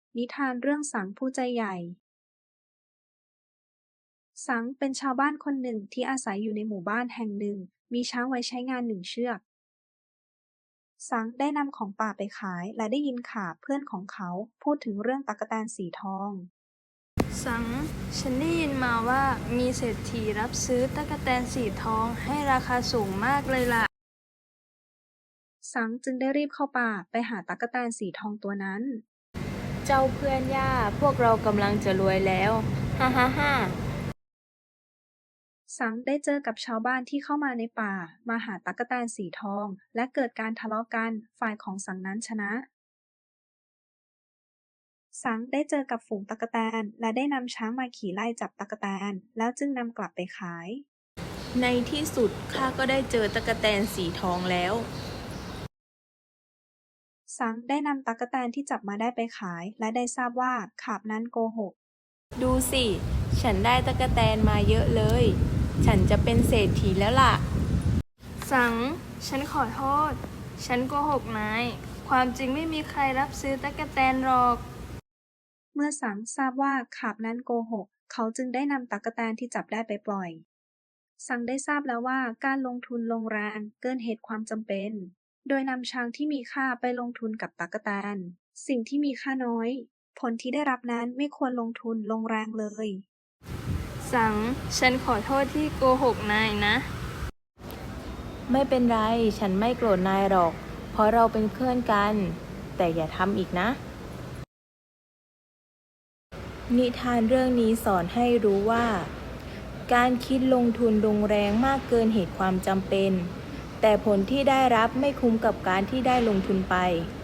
นิทานเรื่องสังผู้ใจใหญ่ สังเป็นชาวบ้านคนหนึ่งที่อาศัยอยู่ในหมู่บ้านแห่งหนึ่ง มีช้างไว้ใช้งาน1 เชือก สังได้นำของป่าไปขายและได้ยินข่าวเพื่อนของเขาพูดถึงเรื่องตั๊กแตนสีทองสัง ฉันได้ยินมาว่ามีเศรษฐีรับซื้อตั๊กแตนสีทองให้ราคาสูงมากเลยล่ะสังจึงได้รีบเข้าป่าไปหาตั๊กแตนสีทองตัวนั้นเจ้าเพื่อนย่าพวกเรากำลังจะรวยแล้ว ฮ่าฮ่าฮ่าสังได้เจอกับชาวบ้านที่เข้ามาในป่ามาหาตั๊กแตนสีทองและเกิดการทะเลาะกันฝ่ายของสังนั้นชนะ สังได้เจอกับฝูงตั๊กแตนและได้นำช้างมาขี่ไล่จับตั๊กแตนแล้วจึงนำกลับไปขายในที่สุดข้าก็ได้เจอตั๊กแตนสีทองแล้วสังได้นำตั๊กแตนที่จับมาได้ไปขายและได้ทราบว่าขาบนั้นโกหกดูสิ ฉันได้ตั๊กแตนมาเยอะเลย ฉันจะเป็นเศรษฐีแล้วล่ะ สัง ฉันขอโทษ ฉันโกหกนาย ความจริงไม่มีใครรับซื้อตั๊กแตนหรอกเมื่อสังทราบว่าขาบนั้นโกหก เขาจึงได้นำตั๊กแตนที่จับได้ไปปล่อย สังได้ทราบแล้วว่าการลงทุนลงแรงเกินเหตุความจำเป็น โดยนำช้างที่มีค่าไปลงทุนกับตั๊กแตน สิ่งที่มีค่าน้อย ผลที่ได้รับนั้นไม่ควรลงทุนลงแรงเลยสัง ฉันขอโทษที่โกหกนายนะไม่เป็นไร ฉันไม่โกรธนายหรอก เพราะเราเป็นเพื่อนกัน แต่อย่าทำอีกนะ นิทานเรื่องนี้สอนให้รู้ว่า การคิดลงทุนลงแรงมากเกินเหตุความจำเป็น แต่ผลที่ได้รับไม่คุ้มกับการที่ได้ลงทุนไป